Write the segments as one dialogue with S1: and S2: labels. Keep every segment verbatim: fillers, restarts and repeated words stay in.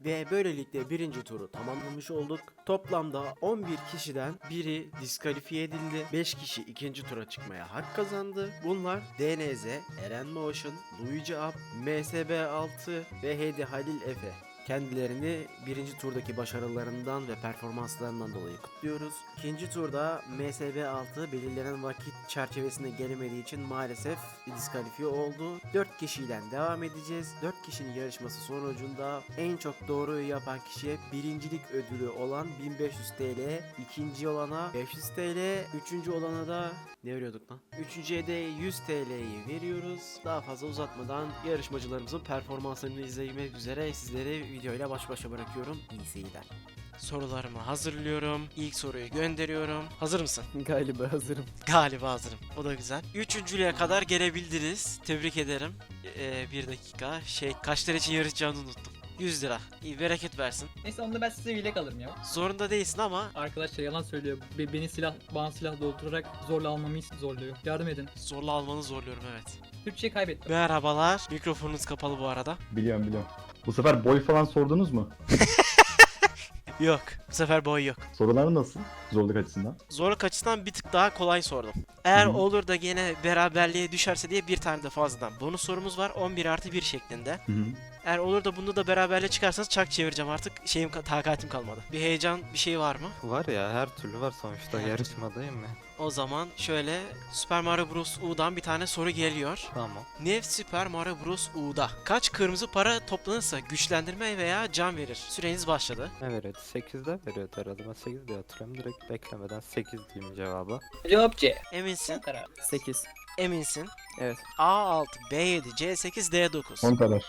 S1: Ve böylelikle birinci turu tamamlamış olduk. Toplamda on bir kişiden biri diskalifiye edildi. beş kişi ikinci tura çıkmaya hak kazandı. Bunlar D N Z, Eren Motion, Luigi Up, M S B altı ve Hedi Halil Efe. Kendilerini birinci turdaki başarılarından ve performanslarından dolayı kutluyoruz. İkinci turda M S B altı belirlenen vakit çerçevesinde gelemediği için maalesef diskalifiye oldu. dört kişiyle devam edeceğiz. dört kişinin yarışması sonucunda en çok doğruyu yapan kişiye birincilik ödülü olan bin beş yüz T L, ikinci olana beş yüz T L, üçüncü olana da ne veriyorduk lan? Üçüncüye de yüz T L'yi veriyoruz. Daha fazla uzatmadan yarışmacılarımızın performanslarını izlemek üzere sizleri videoyla baş başa bırakıyorum. İyi seyirler. Sorularımı hazırlıyorum. İlk soruyu gönderiyorum. Hazır mısın?
S2: Galiba hazırım.
S1: Galiba hazırım. O da güzel. Üçüncülüğe kadar gelebildiniz. Tebrik ederim. Ee, bir dakika. Şey, kaç lira için yarışacağını unuttum. yüz lira. İyi, bereket versin.
S3: Neyse onda ben size yelek alırım ya.
S1: Zorunda değilsin ama
S3: Arkadaşlar yalan söylüyor. Be- beni silah, bana silah doldurarak zorla almamı zorluyor. Yardım edin.
S1: zorla almanı zorluyorum, evet.
S3: Türkçe kaybettim.
S1: Merhabalar. Mikrofonunuz kapalı bu arada.
S4: Biliyorum biliyorum. Bu sefer boy falan sordunuz mu?
S1: Yok. Bu sefer boy yok.
S4: Sorular nasıl? Zorluk açısından.
S1: Zorluk açısından bir tık daha kolay sordum. Eğer
S4: Hı hı.
S1: olur da gene beraberliğe düşerse diye bir tane de fazladan bonus sorumuz var. on bir artı bir şeklinde.
S4: Hı hı.
S1: Eğer olur da bunda da beraberliğe çıkarsanız çak çevireceğim artık. Şeyim, takatim kalmadı. Bir heyecan, bir şey var mı?
S5: Var ya, her türlü var sonuçta,
S1: Her
S5: yarışmadayım ya.
S1: O zaman şöyle Super Mario Bros. U'dan bir tane soru geliyor.
S5: Tamam.
S1: Nev Super Mario Bros. U'da kaç kırmızı para toplanırsa güçlendirme veya can verir? Süreniz başladı.
S5: Ne veriyordu? sekizde veriyordu herhalde. Ben sekiz diye hatırlıyorum. Direkt beklemeden sekiz diyeyim cevabı.
S3: Cevap C.
S1: Eminsin.
S3: Son karar.
S2: sekiz.
S1: Eminsin.
S2: Evet.
S1: A altı, B yedi, C sekiz, D dokuz.
S4: on kadar.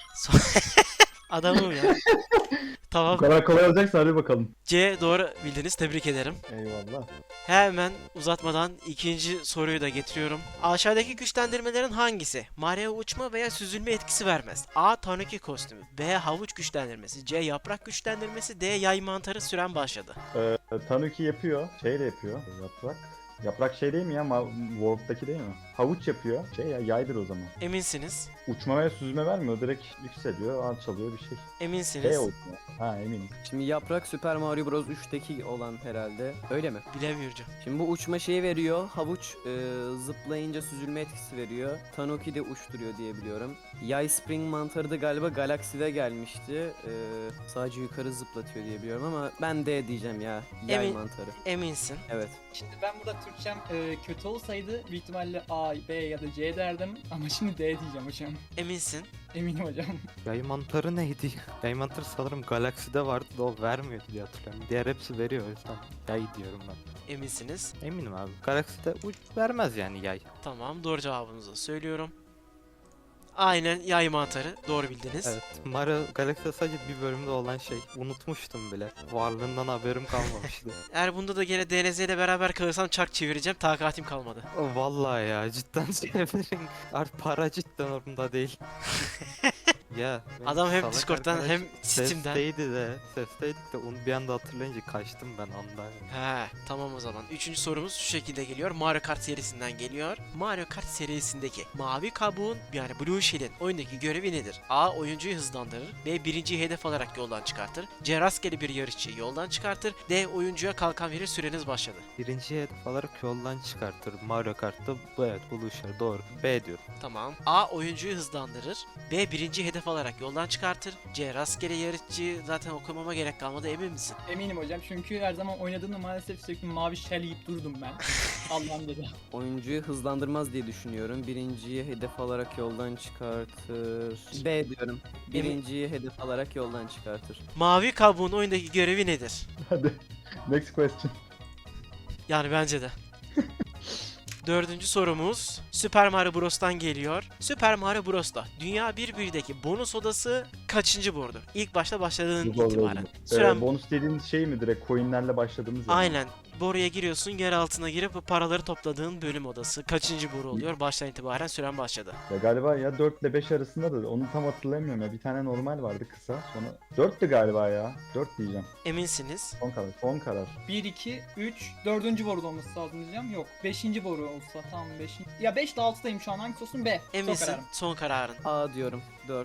S1: Adamım ya.
S4: Bu
S1: Tamam.
S4: kadar kolay olacaksa hadi bakalım.
S1: C doğru bildiniz. Tebrik ederim.
S4: Eyvallah.
S1: Hemen uzatmadan ikinci soruyu da getiriyorum. Aşağıdaki güçlendirmelerin hangisi Mario uçma veya süzülme etkisi vermez? A. Tanuki kostümü, B. Havuç güçlendirmesi, C. Yaprak güçlendirmesi, D. Yay mantarı. Süren başladı.
S4: Ee, Tanuki yapıyor. Şeyle yapıyor. Yaprak. Yaprak şey değil mi ya? Ma Warp'taki değil mi? Havuç yapıyor. Şey ya, yaydır o zaman.
S1: Eminsiniz.
S4: Uçma ve süzme vermiyor. Direkt yükseliyor, alçalıyor bir şey.
S1: Eminsiniz.
S4: Şey uçma. Ha eminim.
S2: Şimdi yaprak Super Mario Bros. üçteki olan herhalde. Öyle mi?
S1: Bilemiyorum.
S2: Şimdi bu uçma şeyi veriyor. Havuç e, zıplayınca süzülme etkisi veriyor. Tanuki de uçturuyor diye biliyorum. Yay Spring mantarı da galiba Galaxy'de gelmişti. E, sadece yukarı zıplatıyor diye biliyorum ama ben D diyeceğim ya. Yay
S1: Emin-
S2: mantarı.
S1: Eminsin.
S2: Evet.
S3: Şimdi ben burada Türkçem e, kötü olsaydı büyük ihtimalle A, B ya da C derdim. Ama şimdi D diyeceğim hocam.
S1: Eminsin.
S3: Eminim hocam.
S5: Yay mantarı neydi? Yay mantarı sanırım Galaxy'de vardı da o vermiyordu diye hatırlıyorum. Diğer hepsi veriyor, o yüzden yay diyorum ben.
S1: Eminsiniz.
S5: Eminim abi. Galaxy'de uç vermez yani yay.
S1: Tamam, doğru cevabınızı söylüyorum. Aynen, yay mantarı. Doğru bildiniz.
S5: Evet. Mario Galaxy'de sadece bir bölümde olan şey. Unutmuştum bile. Varlığından haberim kalmamıştı.
S1: Eğer bunda da gene D N Z ile beraber kalırsam çak çevireceğim. Takatim kalmadı.
S5: Vallahi ya, cidden çevirin. Artık para cidden orada değil. Ya benim
S1: Adam hem
S5: salak
S1: Discord'dan
S5: arkadaş
S1: hem Steam'den.
S5: Sesteydi de, sesteydik de onu bir anda hatırlayınca kaçtım ben ondan.
S1: He, tamam o zaman. Üçüncü sorumuz şu şekilde geliyor. Mario Kart serisinden geliyor. Mario Kart serisindeki mavi kabuğun, yani Blue Shell'in oyundaki görevi nedir? A. Oyuncuyu hızlandırır. B. Birinciyi hedef alarak yoldan çıkartır. C. Rastgele bir yarışçıyı yoldan çıkartır. D. Oyuncuya kalkan verir. Süreniz başladı.
S5: Birinci hedef alarak yoldan çıkartır. Mario Kart'ta bu, evet, buluşur, doğru. B diyorum.
S1: Tamam. A. Oyuncuyu hızlandırır. B. Birinci hedef alarak yoldan çıkartır. C. Rastgele yarışçı, zaten okumama gerek kalmadı, emin misin?
S3: Eminim hocam çünkü her zaman oynadığımda maalesef sürekli mavi shell yiyip durdum ben. Allah'ım dedi.
S2: Oyuncuyu hızlandırmaz diye düşünüyorum. Birinciyi hedef alarak yoldan çıkartır. B diyorum. Birinciyi hedef alarak yoldan çıkartır.
S1: Mavi kabuğun oyundaki görevi nedir?
S4: Hadi. Next question.
S1: Yani bence de. Dördüncü sorumuz Super Mario Bros'tan geliyor. Super Mario Bros'ta Dünya bir birdeki bonus odası kaçıncı borudur? İlk başta başladığın itibaren. Süren...
S4: Ee, bonus dediğiniz şey mi, direkt coinlerle başladığımız yer mi?
S1: Aynen. Boruya giriyorsun, yer altına girip bu paraları topladığın bölüm odası. Kaçıncı boru oluyor? Baştan itibaren süren başladı.
S4: Ya galiba ya dört ile beş arasında da onu tam hatırlamıyorum ya. Bir tane normal vardı kısa. Sonra dörttü galiba ya. dört diyeceğim.
S1: Eminsiniz.
S4: Son karar. Son karar.
S3: bir, iki, üç, dördüncü boruda olması lazım diyeceğim. Yok. beşinci boru olsa tamam beşinci. Ya beş ile altıdayım şu an, hangisi olsun? B. Son
S1: Eminsin.
S3: kararım.
S1: Son kararın.
S2: A diyorum. dört.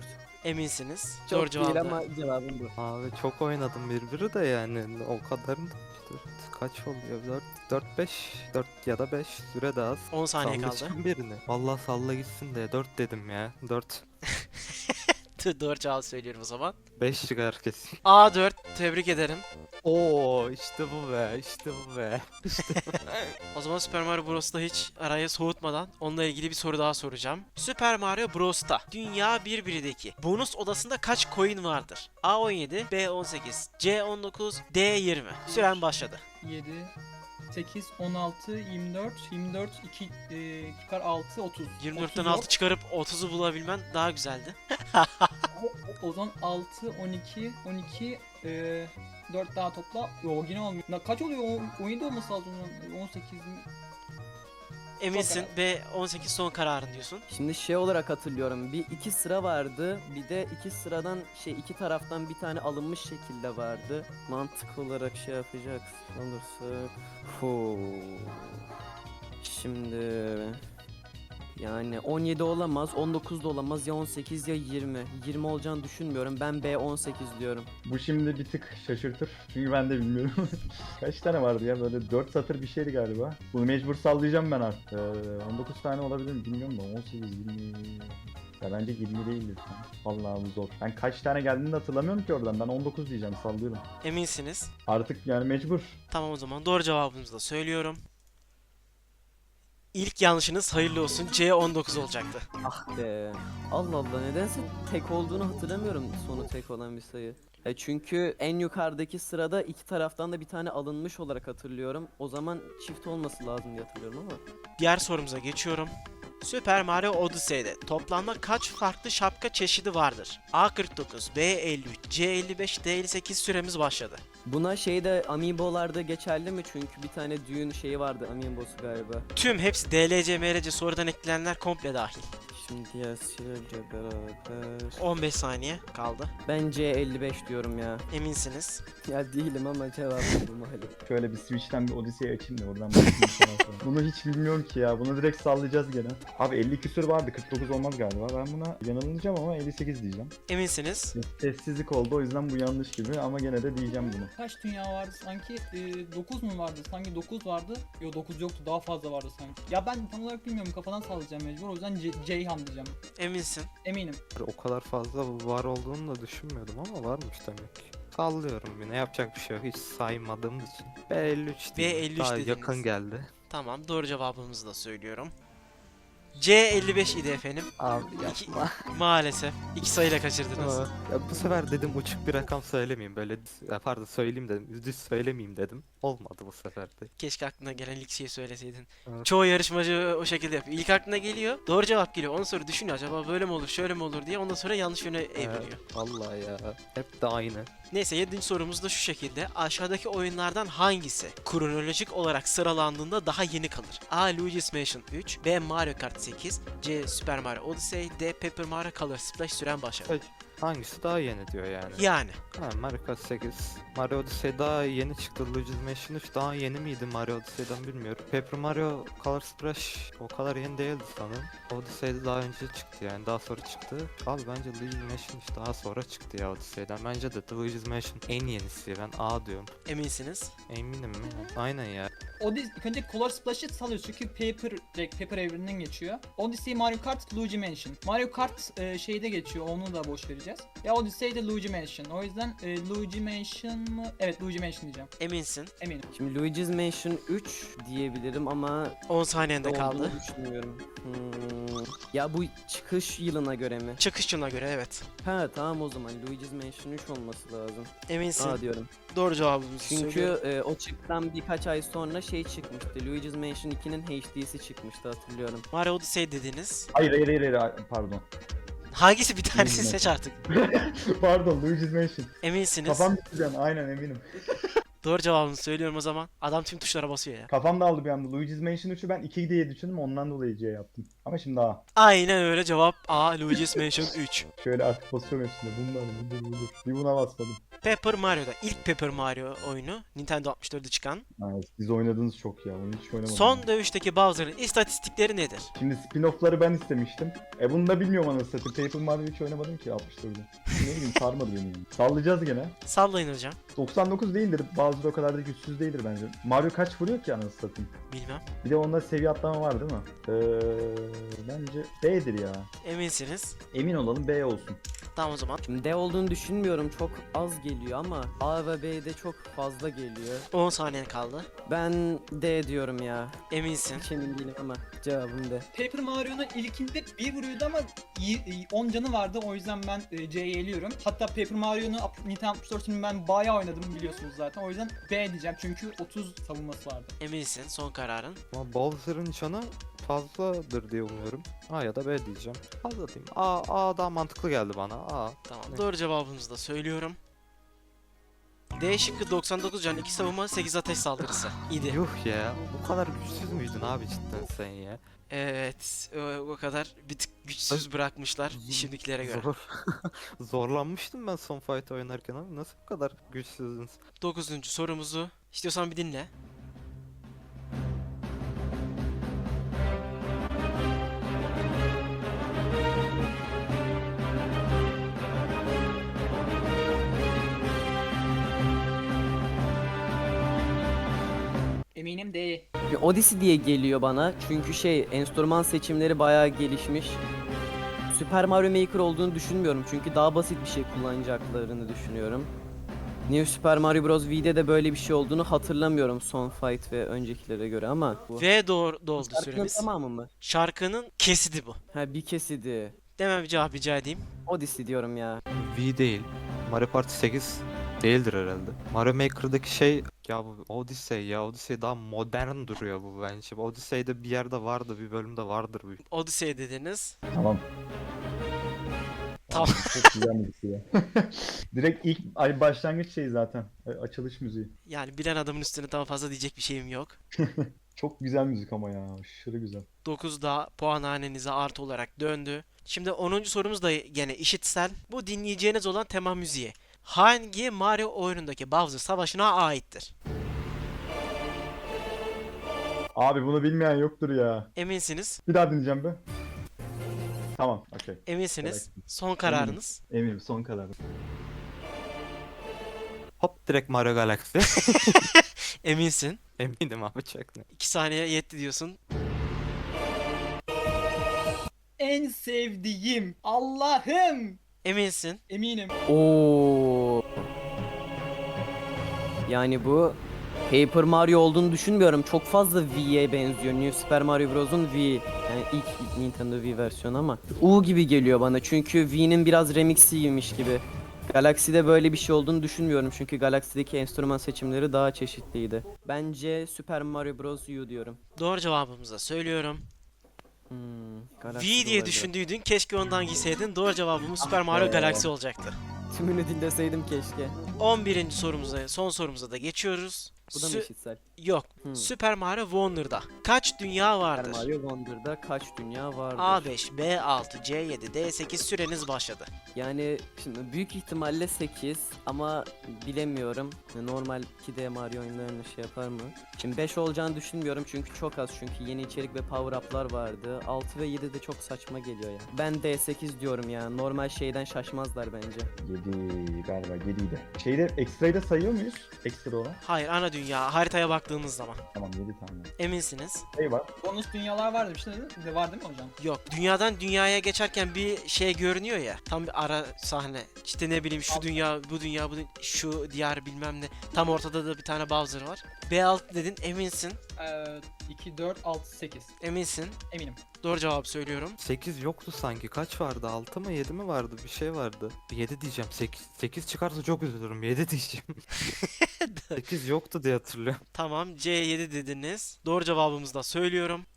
S1: Eminsiniz.
S2: Çok
S1: Doğru
S2: değil
S1: cevabı.
S2: ama cevabım bu.
S5: Abi çok oynadım birbiri de yani o kadarını da dört kaç oluyor? dört dört beş dört ya da beş süre daha az.
S1: on saniye kaldı.
S5: Sallayacağım birini. Vallahi salla gitsin de dört dedim ya. dört
S1: Doğru cevabı söylüyorum o zaman.
S5: beş çıkar kesin.
S1: A dört. Tebrik ederim.
S5: Oo işte bu be işte bu be.
S1: O zaman Super Mario Bros'ta hiç araya soğutmadan onunla ilgili bir soru daha soracağım. Super Mario Bros'ta Dünya bir birdeki bonus odasında kaç coin vardır? A on yedi, B on sekiz, C on dokuz, D yirmi. Süren başladı.
S3: yedi, sekiz, on altı, yirmi dört, yirmi dört, iki, e, çıkar altı, otuz.
S1: yirmi dörtten
S3: otuz yok.
S1: altı çıkarıp otuzu bulabilmen daha güzeldi.
S3: O, o zaman altı, on iki, on iki, e, dört daha topla. Yo yine olmuyor. Na, kaç oluyor? O- on yedi olması lazım. on sekiz mi?
S1: Eminsin
S3: Çok
S1: B on sekiz son kararın diyorsun.
S2: Şimdi şey olarak hatırlıyorum. Bir iki sıra vardı. Bir de iki sıradan şey iki taraftan bir tane alınmış şekilde vardı. Mantık olarak şey yapacak olursa. Fu. Şimdi yani on yedi olamaz, on dokuz da olamaz, ya on sekiz ya yirmi. yirmi olacağını düşünmüyorum. Ben B on sekiz diyorum.
S4: Bu şimdi bir tık şaşırtır. Çünkü ben de bilmiyorum. Kaç tane vardı ya? Böyle dört satır bir şeydi galiba. Bunu mecbur sallayacağım ben artık. Ee, on dokuz tane olabilir mi bilmiyorum da on sekiz, yirmi... Ya bence yirmi değildir. Vallahi bu zor. Ben kaç tane geldiğini de hatırlamıyorum ki oradan. Ben on dokuz diyeceğim, sallıyorum.
S1: Eminsiniz.
S4: Artık yani mecbur.
S1: Tamam o zaman doğru cevabınızı da söylüyorum. İlk yanlışınız hayırlı olsun. C on dokuz olacaktı.
S2: Ah be. Allah Allah, nedense tek olduğunu hatırlamıyorum, sonu tek olan bir sayı. E çünkü en yukarıdaki sırada iki taraftan da bir tane alınmış olarak hatırlıyorum. O zaman çift olması lazım diye hatırlıyorum ama.
S1: Diğer sorumuza geçiyorum. Super Mario Odyssey'de toplamda kaç farklı şapka çeşidi vardır? A kırk dokuz, B elli üç, C elli beş, D elli sekiz süremiz başladı.
S2: Buna şeyde Amiibo'larda geçerli mi? Çünkü bir tane düğün şeyi vardı, Amiibo'su galiba.
S1: Tüm hepsi D L C, M L C sonradan eklenenler komple dahil.
S2: Şimdi diğer sürece beraber.
S1: on beş saniye kaldı.
S2: Ben C elli beş diyorum ya.
S1: Eminsiniz.
S2: Ya değilim ama cevabım bu malum.
S4: Şöyle bir Switch'ten bir Odyssey açayım da oradan bakayım. Sonra. Bunu hiç bilmiyorum ki ya. Bunu direkt sallayacağız gene. Abi elli küsür vardı. kırk dokuz olmaz galiba. Ben buna yanılmayacağım ama elli sekiz diyeceğim.
S1: Eminsiniz.
S4: Sessizlik oldu o yüzden bu yanlış gibi ama gene de diyeceğim bunu.
S3: Kaç dünya vardı sanki? E, dokuz mu vardı? Sanki dokuz vardı. Yo dokuz yoktu. Daha fazla vardı sanki. Ya ben tam olarak bilmiyorum. Kafadan sallayacağım mecbur. O yüzden C- Ceyhan diyeceğim.
S1: Eminsin.
S3: Eminim.
S5: O kadar fazla var olduğunu da düşünmüyordum ama varmış demek ki. Sallıyorum yine, yapacak bir şey yok hiç saymadığımız için. B elli üç
S1: B elli üç
S5: daha
S1: dediniz.
S5: yakın geldi.
S1: Tamam doğru cevabımızı da söylüyorum. C elli beş idi efendim.
S5: Abi
S1: İki-
S5: yapma.
S1: Maalesef. İki sayıyla kaçırdınız.
S5: Ya bu sefer dedim uçuk bir rakam söylemeyeyim, böyle ya pardon söyleyeyim dedim, düz söylemeyeyim dedim. Olmadı bu sefer de.
S1: Keşke aklına gelen ilk şeyi söyleseydin.
S5: Evet.
S1: Çoğu yarışmacı o şekilde yapıyor. İlk aklına geliyor, doğru cevap geliyor. Ondan sonra düşünüyor acaba böyle mi olur, şöyle mi olur diye. Ondan sonra yanlış yöne evriliyor.
S5: Vallahi ya, hep de aynı.
S1: Neyse yedinci sorumuz da şu şekilde. Aşağıdaki oyunlardan hangisi kronolojik olarak sıralandığında daha yeni kalır? A. Luigi's Mansion üç, B. Mario Kart sekiz, C. Super Mario Odyssey, D. Paper Mario Color Splash süren başladı.
S5: Evet. Hangisi daha yeni diyor yani.
S1: Yani.
S5: Ha, Mario Kart sekiz. Mario Odyssey daha yeni çıktı. Luigi's Mansion üç daha yeni miydi Mario Odyssey'den bilmiyorum. Paper Mario Color Splash o kadar yeni değildi sanırım. Odyssey'de daha önce çıktı yani, daha sonra çıktı. Abi bence Luigi's Mansion üç daha sonra çıktı ya Odyssey'den. Bence de Luigi's Mansion en yenisi, ben A diyorum.
S1: Eminsiniz.
S5: Eminim mi? Aynen ya.
S3: Odyssey, ilk önce Color Splash'ı salıyoruz çünkü Paper, direkt Paper evreninden geçiyor. Odyssey, Mario Kart, Luigi Mansion. Mario Kart e, şeyde geçiyor, onu da boş vereceğiz. Ya Odyssey de Luigi Mansion. O yüzden e, Luigi Mansion mı? Evet Luigi Mansion diyeceğim.
S1: Eminsin.
S3: Eminim.
S2: Şimdi Luigi's Mansion üç diyebilirim ama
S1: on saniyende
S2: olduğunu
S1: kaldı.
S2: düşünmüyorum. Hmm. Ya bu çıkış yılına göre mi?
S1: Çıkış yılına göre evet.
S2: Ha tamam, o zaman Luigi's Mansion üç olması lazım.
S1: Eminsin.
S2: A diyorum.
S1: Doğru cevabımızı
S2: Çünkü
S1: söylüyorum.
S2: e, o çıktıktan birkaç ay sonra şey çıkmıştı. Luigi's Mansion ikinin H D'si çıkmıştı, hatırlıyorum.
S1: Mario Odyssey dediniz.
S4: Hayır hayır hayır, hayır. Pardon.
S1: Hangisi bir tanesini
S4: Luigi's
S1: seç artık.
S4: Pardon Luigi's Mansion.
S1: Eminsiniz.
S4: Kafam gitti can, aynen eminim.
S1: Doğru cevabını söylüyorum o zaman. Adam tüm tuşlara basıyor ya.
S4: Kafam dağıldı bir anda. Luigi's Mansion üçü ben iki diye düşündüm, ondan dolayı C yaptım. Ama şimdi A.
S1: Aynen öyle, cevap A. Luigi's Mansion üç.
S4: Şöyle artık basıyorum hepsine. Bunlar budur budur. Bir buna basmadım.
S1: Paper Mario'da. İlk Paper Mario oyunu. Nintendo altmış dörtte çıkan.
S4: Ha, siz oynadınız çok ya. Onu hiç oynamadım.
S1: Son dövüşteki Bowser'ın istatistikleri nedir?
S4: Şimdi spin-off'ları ben istemiştim. E bunu da bilmiyorum anasını satayım. Paper Mario hiç oynamadım ki altmış dörtte. Ne bileyim sarmadı beni. Yani. Sallayacağız gene.
S1: Sallayın hocam.
S4: doksan dokuz değildir. Bazıları o kadar da güçsüz değildir bence. Mario kaç vuruyor ki anasını satayım?
S1: Bilmem.
S4: Bir de onda seviye atlama var değil mi? Ee, bence B'dir ya.
S1: Eminsiniz.
S4: Emin olalım B olsun.
S1: Tamam o zaman.
S2: Şimdi D olduğunu düşünmüyorum. Çok az geliyor ama A ve B'de çok fazla geliyor.
S1: on saniyen kaldı.
S2: Ben D diyorum ya.
S1: Eminsin.
S2: Hiç emin değilim ama cevabım D.
S3: Paper Mario'nun ilkinde bir vuruyordu ama iyi- on canı vardı, o yüzden ben e, C'yi eliyorum. Hatta Paper Mario'nun ap- Nintendo altmış dörtünü ben bayağı oynadım biliyorsunuz zaten. O yüzden B diyeceğim çünkü otuz savunması vardı.
S1: Eminsin. Son kararın.
S5: Ama Bowser'ın canı fazladır diye umuyorum. A ya da B diyeceğim. Fazla diyeyim. A, A daha mantıklı geldi bana. A.
S1: Tamam.
S5: Ne?
S1: Doğru cevabımızı da söylüyorum. D şıkkı doksan dokuz can, iki savunma, sekiz ateş saldırısı idi.
S5: Yuh ya. Bu kadar güçsüz müydün abi cidden sen ya?
S1: Evet, o, o kadar bir tık güçsüz bırakmışlar şimdikilere göre.
S5: Zor. Zorlanmıştım ben son fight oynarken abi. Nasıl bu kadar güçsüzdünüz?
S1: Dokuzuncu sorumuzu istiyorsan bir dinle.
S3: Eminim D.
S2: Bir Odyssey diye geliyor bana çünkü şey enstrüman seçimleri bayağı gelişmiş. Super Mario Maker olduğunu düşünmüyorum çünkü daha basit bir şey kullanacaklarını düşünüyorum. New Super Mario Bros. V'de de böyle bir şey olduğunu hatırlamıyorum son fight ve öncekilere göre ama bu.
S1: Ve doğru doldu
S2: Şarkının
S1: süremiz.
S2: tamamı mı?
S1: Şarkının kesidi bu.
S2: Ha bir kesidi.
S1: Demem bir cevap rica edeyim.
S2: Odyssey diyorum ya.
S5: V değil. Mario Party sekiz değildir herhalde. Mario Maker'daki şey ya bu Odyssey ya Odyssey daha modern duruyor bu bence. Odyssey'de bir yerde vardı, bir bölümde vardır bu.
S1: Odyssey dediniz.
S4: Tamam.
S1: Tamam.
S4: Çok güzel müzik ya. Direkt ilk ay başlangıç şeyi zaten. A- Açılış müziği.
S1: Yani bilen adamın üstüne daha fazla diyecek bir şeyim yok.
S4: Çok güzel müzik ama ya. Aşırı güzel.
S1: dokuzda puanhanenize artı olarak döndü. Şimdi onuncu sorumuz da gene işitsel. Bu dinleyeceğiniz olan tema müziği. Hangi Mario oyunundaki Bowser Savaşı'na aittir?
S4: Abi bunu bilmeyen yoktur ya.
S1: Eminsiniz.
S4: Bir daha dinleyeceğim be. Tamam, okey.
S1: Eminsiniz.
S4: Evet.
S1: Son kararınız.
S4: Eminim son karar.
S5: Hop direkt Mario Galaxy.
S1: Eminsin.
S5: Eminim abi çok net.
S1: iki saniye yetti diyorsun.
S3: En sevdiğim Allah'ım.
S1: Eminsin.
S3: Eminim.
S2: Oo. Yani bu Paper Mario olduğunu düşünmüyorum. Çok fazla V'ye benziyor. New Super Mario Bros'un V. Yani ilk Nintendo V versiyonu ama U gibi geliyor bana. Çünkü V'nin biraz remixiymiş gibi. Galaxy'de böyle bir şey olduğunu düşünmüyorum. Çünkü Galaxy'deki enstrüman seçimleri daha çeşitliydi. Bence Super Mario Bros. U diyorum.
S1: Doğru cevabımızı da söylüyorum.
S2: Hmm,
S1: V
S2: Galaxy
S1: diye
S2: olabilir.
S1: düşündüydün. Keşke ondan giyseydin. Doğru cevabımız Super Mario
S4: be.
S1: Galaxy olacaktı.
S2: Tümünü dinleseydim keşke.
S1: on birinci sorumuza, son sorumuza da geçiyoruz.
S2: Bu da mı
S1: Sü-
S2: işitsel?
S1: Yok.
S2: Hmm.
S1: Super Mario Wonder'da kaç dünya
S2: Super
S1: vardır?
S2: Mario Wonder'da kaç dünya vardır?
S1: A beş, B altı, C yedi, D sekiz süreniz başladı.
S2: Yani şimdi büyük ihtimalle sekiz ama bilemiyorum. Normal iki D Mario oyunlarını şey yapar mı? Şimdi beş olacağını düşünmüyorum çünkü çok az, çünkü yeni içerik ve power up'lar vardı. altı ve yedi de çok saçma geliyor ya. Ben D sekiz diyorum ya. Normal şeyden şaşmazlar bence.
S4: yedi galiba yediydi. Şeyde ekstrayı da sayıyor muyuz? Ekstra olan.
S1: Hayır, ana dünya haritaya baktığımız zaman.
S4: Tamam yedi tane.
S1: Eminsiniz?
S4: Şey var.
S3: Bonus dünyalar vardı bir şey dedi. De var değil mi hocam?
S1: Yok. Dünyadan dünyaya geçerken bir şey görünüyor ya. Tam bir ara sahne. İşte ne bileyim şu dünya, bu dünya, bu dü- şu diyar bilmem ne. Tam ortada da bir tane Bowser var. B altı dedin, eminsin.
S3: Ee, iki, dört, altı, sekiz.
S1: Eminsin.
S3: Eminim.
S1: Doğru cevabı söylüyorum.
S5: sekiz yoktu sanki. Kaç vardı? altı mı yedi mi vardı? Bir şey vardı. yedi diyeceğim. sekiz, sekiz çıkarsa çok üzülürüm. yedi diyeceğim. sekiz yoktu diye hatırlıyorum.
S1: Tamam, C yedi dediniz. Doğru cevabımızı da söylüyorum.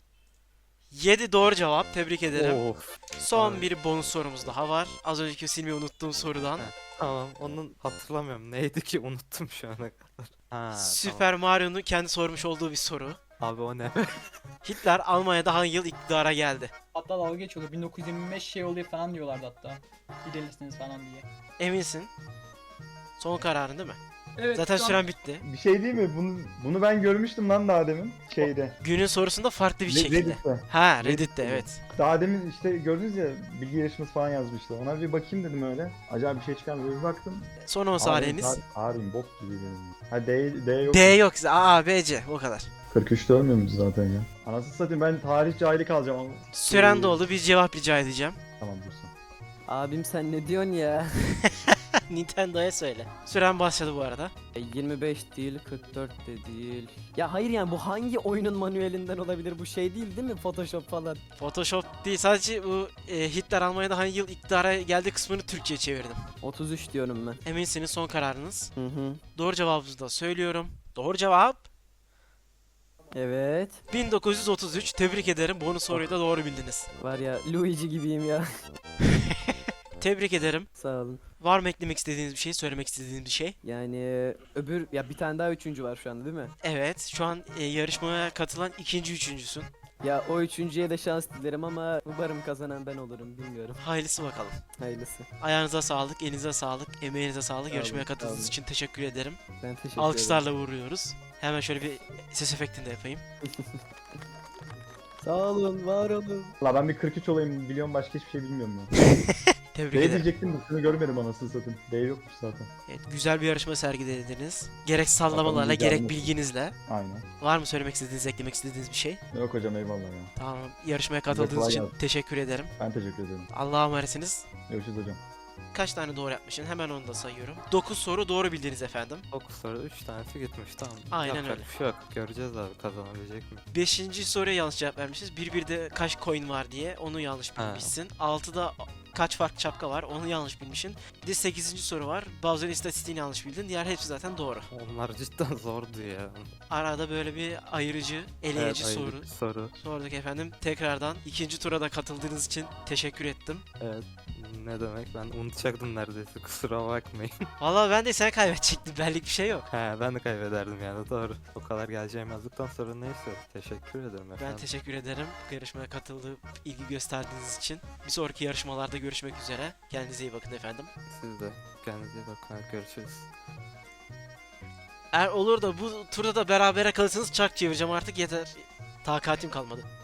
S1: yedi doğru cevap. Tebrik ederim.
S5: Of.
S1: Son
S5: Abi.
S1: bir bonus sorumuz daha var. Az önceki silmeyi unuttuğum sorudan.
S5: Heh. Tamam, onun hatırlamıyorum. Neydi ki? Unuttum şu ana kadar. Ha,
S1: Süper Mario'nun kendi sormuş olduğu bir soru.
S5: tamam. Abi o ne?
S1: Hitler Almanya'da hangi yıl iktidara geldi?
S3: Hatta dalga geçiyordu. bin dokuz yüz yirmi beş şey oluyor falan diyorlardı hatta. İlerlisiniz falan diye.
S1: Eminsin? Son kararın değil mi?
S3: Evet,
S1: Zaten
S3: şu an-
S1: süren bitti.
S4: Bir şey değil mi? Bunu bunu ben görmüştüm lan daha demin şeyde.
S1: Günün sorusunda farklı bir
S4: Re-
S1: şekilde.
S4: Reddit'te.
S1: Ha Reddit'te
S4: Reddit'te.
S1: evet.
S4: Daha demin işte gördünüz ya bilgi yarışması falan yazmıştı. Ona bir bakayım dedim öyle. Acaba bir şey çıkar mı? Bir baktım.
S1: Son on saniyeniz.
S4: Ağrıyım bok gibi benim. Ha D, D yok.
S1: D yok. A, B, C. O kadar.
S4: kırk üçte ölmüyor muyuz zaten ya? Anasını satayım ben tarih cahili kalacağım ama.
S1: Süren doldu. Bir cevap rica edeceğim.
S4: Tamam dursun.
S2: Abim sen ne diyorsun ya?
S1: Nintendo'ya söyle. Süren başladı bu arada.
S2: E, yirmi beş değil, kırk dört de değil. Ya hayır yani bu hangi oyunun manuelinden olabilir? Bu şey değil değil mi? Photoshop falan.
S1: Photoshop değil. Sadece bu e, Hitler Almanya'da hangi yıl iktidara geldiği kısmını Türkçe'ye çevirdim.
S2: otuz üç diyorum ben.
S1: Eminsiniz son kararınız.
S2: Hı hı.
S1: Doğru cevabınızı da söylüyorum. Doğru cevap
S2: Evet.
S1: bin dokuz yüz otuz üç. Tebrik ederim. Bonus soruyu da doğru bildiniz.
S2: Var ya Luigi gibiyim ya.
S1: Tebrik ederim.
S2: Sağ olun.
S1: Var mı eklemek istediğiniz bir şey, söylemek istediğiniz bir şey?
S2: Yani öbür ya bir tane daha üçüncü var şu anda değil mi?
S1: Evet, şu an e, yarışmaya katılan ikinci üçüncüsün.
S2: Ya o üçüncüye de şans dilerim ama umarım kazanan ben olurum bilmiyorum.
S1: Hayırlısı bakalım.
S2: Hayırlısı.
S1: Ayağınıza sağlık, elinize sağlık, emeğinize sağlık.
S2: Sağ
S1: Yarışmaya
S2: olun, sağ
S1: katıldığınız
S2: olun.
S1: için teşekkür ederim.
S2: Ben teşekkür ederim.
S1: Alkışlarla vuruyoruz. Hemen şöyle bir ses efektini de yapayım.
S2: Sağ olun, var olun.
S4: La ben bir kırk üç olayım biliyorum başka hiçbir şey bilmiyorum ya.
S1: Tebrik
S4: D
S1: ederim.
S4: diyecektim de şunu görmedim anasını satayım. D yokmuş zaten.
S1: Evet, güzel bir yarışma sergilediniz. Gerek sallamalarla,
S4: Bakalım
S1: gerek
S4: güzel mi?
S1: bilginizle.
S4: Aynen.
S1: Var mı söylemek istediğiniz, eklemek istediğiniz bir şey?
S4: Yok hocam eyvallah ya.
S1: Tamam, yarışmaya katıldığınız
S4: kolay
S1: için
S4: gelsin.
S1: teşekkür ederim.
S4: Ben teşekkür ederim.
S1: Allah'a emanetsiniz.
S4: Görüşürüz hocam.
S1: Kaç tane doğru yapmışsın? Hemen onu da sayıyorum. dokuz soru doğru bildiniz efendim.
S5: dokuz soru üç tanesi gitmiş tamam.
S1: Aynen
S5: Yapacak
S1: öyle.
S5: bir şey yok. Göreceğiz abi kazanabilecek mi?
S1: beşinci soruya yanlış cevap vermişiz. bir birde kaç coin var diye onu yanlış
S5: Ha.
S1: bilmişsin. altıda kaç farklı şapka var onu yanlış bilmişsin. Bir de sekizinci soru var. Bowser'ın istatistiğini yanlış bildin. Diğer hepsi zaten doğru.
S5: Onlar cidden zordu ya.
S1: Arada böyle bir ayırıcı, eleyici
S5: Evet,
S1: soru
S5: ayrı bir soru.
S1: sorduk efendim. Tekrardan ikinci tura da katıldığınız için teşekkür ettim.
S5: Evet. Ne demek ben unutacaktım neredeyse kusura bakmayın.
S1: Vallahi ben de sen kaybedecektim. Benlik bir şey yok.
S5: He ben de kaybederdim yani doğru. O kadar geleceğim yazdıktan sonra neyse teşekkür ederim efendim.
S1: Ben teşekkür ederim bu yarışmaya katılıp ilgi gösterdiğiniz için. Bir sonraki yarışmalarda görüşmek üzere. Kendinize iyi bakın efendim.
S5: Siz de kendinize iyi bakın görüşürüz.
S1: Eğer olur da bu turda da berabere kalırsanız çark çevireceğim artık yeter. Takatim kalmadı.